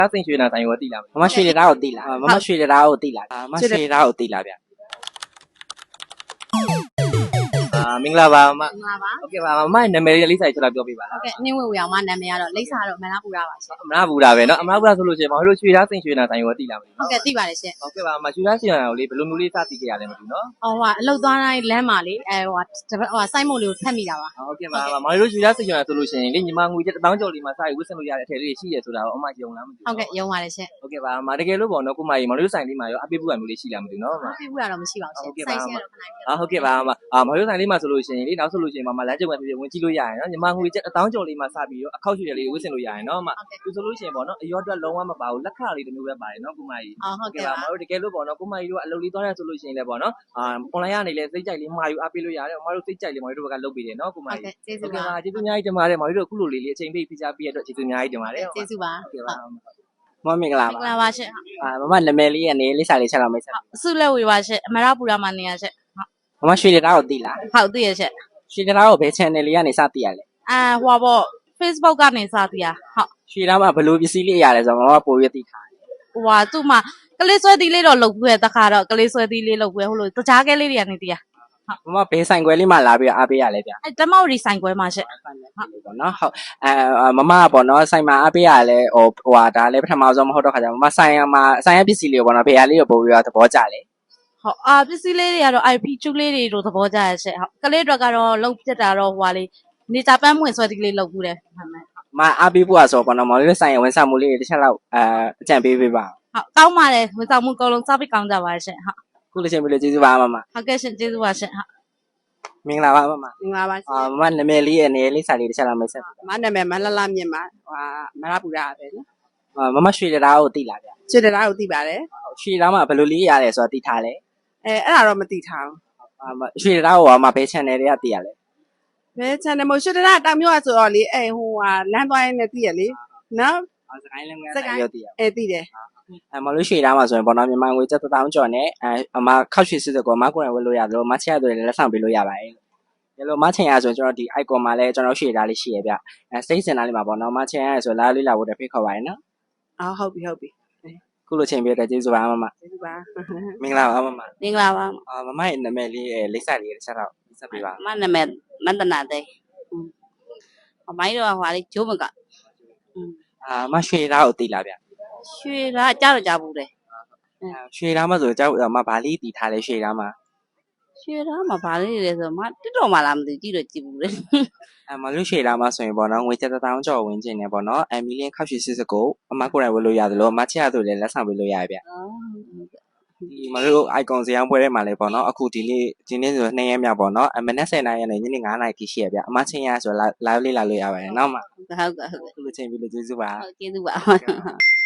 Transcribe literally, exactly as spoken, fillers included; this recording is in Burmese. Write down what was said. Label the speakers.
Speaker 1: 他姓薛呢，咱有地啦。
Speaker 2: မမရွှေရသားကိုတိလားမမရွှေရသားကိုတိလားမရွှေရသားကိုတိလားဗျ
Speaker 1: အာမင်္ဂလာပါမ
Speaker 3: မှာပါ
Speaker 1: ဟုတ်ကဲ့ပါမမနာမည်လေးလေးဆိုင်ချက်လာပြောပြပါလား
Speaker 3: ဟုတ်ကဲ့နှင်းဝေဝေအောင်မနာမည်ကတော့လိပ်စာတော့မလားပူရပါရှင်
Speaker 1: အမနာဘူးတာပဲเนาะအမနာဘူးတာဆိုလို့ရှိရင်မတို့ရွှေသား姓ရွှေနာဆိုင်ရောတိလာမလို့
Speaker 3: ဟုတ်ကဲ့သိပါတယ်ရှင်
Speaker 1: ဟုတ်ကဲ့ပါမရွှေသားရှင်နာကိုလေဘယ်လိုမျိုးလေးစသိခဲ့ရလဲမသိဘူးเนาะ
Speaker 3: ဟိုကအလုတ်သွားတိုင်းလမ်းမှာလေအဲဟိုဟိုစိုက်မုံလေးကိုဖတ်မိတာပါ
Speaker 1: ဟုတ်ကဲ့ပါမတို့ရွှေသား姓ရွှေနာဆိုလို့ရှိရင်လေညီမငွေချက်တစ်တောင်းကျော်လေးမှာစပြီးဝစ်ဆင်လို့ရတဲ့အထည်လေးရှိရဆိုတာတော့အမယုံလားမသိဘူး
Speaker 3: ဟုတ်ကဲ့ယုံပါတယ်ရှင်
Speaker 1: ဟုတ်ကဲ့ပါမတကယ်လို့ပေါ့เนาะကိုမကြီးမတို့ဆိုင်လေးမှာရောအပိပူကမျိုးလေးရှိလားမသိဘူးเนาะမ
Speaker 3: ပြပူရတော့မရှိပါဘူးရှင်စိုက်ရှင်းတော့ခဏလေး
Speaker 1: အာဟုတ်ကဲ့ပါမအာမတို့ဆိုင်လေးမှာဆိုလို့ရှိရင်လေနောက်ဆိုလို့ရှိရင်မမလမ်းကျုံပဲပြပြဝင်ကြည့်လို့ရရင်เนาะညီမငွေချက်တစ်တောင်းကျော်လေးမှာစပြီးတော့အခောက်ရွှေလေးဝစ်ဆင်လို့ရရင်เนาะမသူဆိုလို့ရှိရင်ပေါ့เนาะအရောအတွက်လုံးဝမပါဘူးလက်ခလေးတစ်မျိုးပဲပါတယ်เนาะကိုမကြီး
Speaker 3: အော်ဟုတ်ကဲ့ပါ
Speaker 1: မတို့တကယ်လို့ပေါ့နော်ကိုမကြီးတို့ကအလုပ်လေးသွားရဆိုလို့ရှိရင်လည်းပေါ့နော်အာ online ကနေလည်းစိတ်ကြိုက်လေးမှာယူအားပေးလို့ရတယ်မတို့စိတ်ကြိုက်လေးမတို့ဘက်ကလုပ်ပေးတယ်နော်ကိုမ
Speaker 3: ဟုတ်
Speaker 1: ကြီး
Speaker 3: ကဲ့ကျေးဇူး
Speaker 1: ကဲ့
Speaker 3: ပါ
Speaker 1: ပါကျေးဇူးအများကြီးတင်ပါတယ်မတို့တို့အခုလိုလေးလေးအချိန်ပေးဖိချပေးရတဲ့အတွက်ကျေးဇူးအများကြီးတင်ပါတယ်
Speaker 3: ကျေးဇူးပါ
Speaker 1: ကဲ့ပါ
Speaker 2: မမင်္ဂလာ
Speaker 3: မင်္ဂ
Speaker 2: ပါ
Speaker 3: လာပါရှင်
Speaker 2: အာမမနာမည်လေးကနေလိပ်စာလေးချက်လောက်မိတ်ဆက်
Speaker 3: အစုလက်ဝေပါရှင်အမရပူရမှာနေရရှင်
Speaker 2: မမရွှေရသားကိုတိလား
Speaker 3: ဟုတ်သိရရှင်
Speaker 2: ရွှေရသားကိုဘယ် channel လေးကနေစတိရလဲ
Speaker 3: အာဟိုပေါ့ Facebook ကနေစသည်อ่ะဟုတ်
Speaker 2: ရွှေသားမှာဘယ်လိုပစ္စည်းလေးရလဲဆိုတော့မမပိုရွေးတိထားတယ်
Speaker 3: ဟိုဟာသူ့မှာကလေးဆွဲသီးလေးတော့လုပ်ဘူးရဲ့တခါတော့ကလေးဆွဲသီးလေးလုပ်ဘူးဟိုလိုတကြားကဲလေးတွေကနေတည်းอ่ะ
Speaker 2: မမဘယ်ဆိုင်ခွဲလေးမှာလာပြီးအားပေးရလဲဗျ
Speaker 3: အဲတမောက်ရီဆိုင်ခွဲမှာရှင်
Speaker 2: ပေါ့နော်ဟုတ်အဲမမပေါ့နော်ဆိုင်မှာအားပေးရလဲဟိုဟိုဟာဒါလည်းပထမဆုံးမဟုတ်တော့ခါကျမမဆိုင်မှာဆိုင်ရပစ္စည်းလေးကိုပေါ့နော်ဘယ်ဟာလေးကိုပို့ပြီးတော့သဘောကျလဲ
Speaker 3: ဟုတ်အာပစ္စည်းလေးတွေကတော့ I P ကျူလေးတွေတို့သဘောကျရရှင့်ဟုတ်ကလေးတွေကတော့လုံးပြစ်တာတော့ဟိုဟာလေးနေကြပန်းမွင့်ဆွဲတီးလေးလုပ်ဘူးတယ်မှန်မှန်
Speaker 2: မအားပေးဖို့อ่ะဆိုပေါ့နော်မော်လေးဆိုင်ရဝန်ဆောင်မှုလေးတစ်ချက်လောက်အဲအကြံပေးပေးပါ
Speaker 3: ဟုတ်ကောင်းပါတယ်ဝန်ဆောင်မှုအကုန်လုံးစားပြီးကောင်းကြပါရှင့်ဟုတ်
Speaker 2: ခုလိုချင်းပြီးလို့ကျေးဇူးပါမမ
Speaker 3: ဟုတ်ကဲ့ရှင်ကျေးဇူးပါရှင့်ဟုတ်
Speaker 2: မင်္ဂလာပါမမ
Speaker 4: မင်္ဂလာပါရှင်
Speaker 2: အာမမနာမည်လေးအနေလေးစာလေးတစ်ချက်လောက်မိတ်ဆက်
Speaker 4: ။မနာမည်မလှလှမြင့်ပါဟဟာမရပူရပဲနော်
Speaker 2: အာမမရွှေတရားကိုတိလာဗျ
Speaker 4: ။ချစ်တရားကိုသိပါတယ်
Speaker 2: ရွှေတရားမှာဘယ်လိုလေးရလဲဆိုတော့တိထားလဲ
Speaker 4: ။အဲအဲ့ဒါတော့မသိထားဘူး
Speaker 2: အာမရွှေတရားကိုကမဘယ် channel တွေကတိရလဲ
Speaker 4: ။ဘယ် channel မို့ချစ်တရားတောင်မျိုးอ่ะဆိုတော့လေအဲဟိုဟာလမ်းသွားရင်းနဲ့သိရလေ။နော်
Speaker 2: အာစကိုင်းလည်းငန်းဆိုင်ရောက်တိရ
Speaker 4: အဲသိတယ်
Speaker 2: အဲမလို့ရွှေတရားမှာဆိုရင်ပေါ့နော်မြန်မာငွေကျပ်တောင်းကျော်နဲ့အဲအမခောက်ရွှေစစ်စကောမကိုယ်တိုင်ဝယ်လို့ရတယ်လို့မချရတို့လည်းလက်ဆောင်ပေးလို့ရပါတယ်ဒီလိုမချင်ရဆိုရင်ကျွန်တော်ဒီ icon မှာလည်းကျွန်တော်ရွှေတရားလေးရှိရဗျအဲ state center လေးမှာပေါ့နော်မချင်ရဆိုလာလေးလာဖို့တဖိတ်ခေါ်ပါရနော်
Speaker 4: ။အော်ဟုတ်ပြီဟုတ်ပြီ
Speaker 2: ခုလိုချင်းပြတဲ့ကျေးဇူးပါမမ
Speaker 4: ။ကျေးဇူးပါ
Speaker 2: မင်္ဂလာပါမမ
Speaker 5: မင်္ဂလာပါ
Speaker 2: အာမမရဲ့နာမည်လေးအဲလိပ်စာလေးတစ်ချက်တော့ဆက်ပေးပါ
Speaker 5: မနာမည်မန္တနာသိအမိုင်းတော့ဟွာလေးဂျိုးမက
Speaker 2: အာမရွှေသားကိုတိလာဗျ
Speaker 5: ရွှေသားကြားတော့ကြားဘူးတယ်
Speaker 2: ရွှေသားမဆိုကြောက်မဘာလေးတီထားလဲရွှေသားမှာ
Speaker 5: ရွှေသားမှာဗာလေးလဲဆိုမတက်တော်မှလာမသိကြည့်တော့ကြည့်ဘူးလေ
Speaker 2: အမလို့ရွှေသားမှာဆိုရင်ပေါ့နော်ငွေကျပ်တောင်းကျော်ဝင်ခြင်းနဲ့ပေါ့နော်အမီလီယံခောက်ရွှေစစ်စကိုအမကိုယ်တိုင်ဝယ်လို့ရတယ်လို့မချရတို့လည်းလက်ဆောင်ပေးလို့ရရဗျဒီမလို့ icon ဇာတ်ပွဲထဲမှာလည်းပေါ့နော်အခုဒီနေ့ဒီနေ့ဆိုနှစ်ရက်မြောက်ပေါ့နော်အမနက်ဆယ်နာရီနဲ့ညနေ9နာရီထိရှိရဗျအမချင်းရဆို live လေးလာလို့ရပါတယ်နော်မ
Speaker 5: ဟုတ်ကဲ့ဟုတ်ကဲ့ဟုတ်ကဲ့
Speaker 2: ခုလိုချင်းပြီးလို့ကျေးဇူးပါ
Speaker 5: ဟုတ်ကျေးဇူးပါ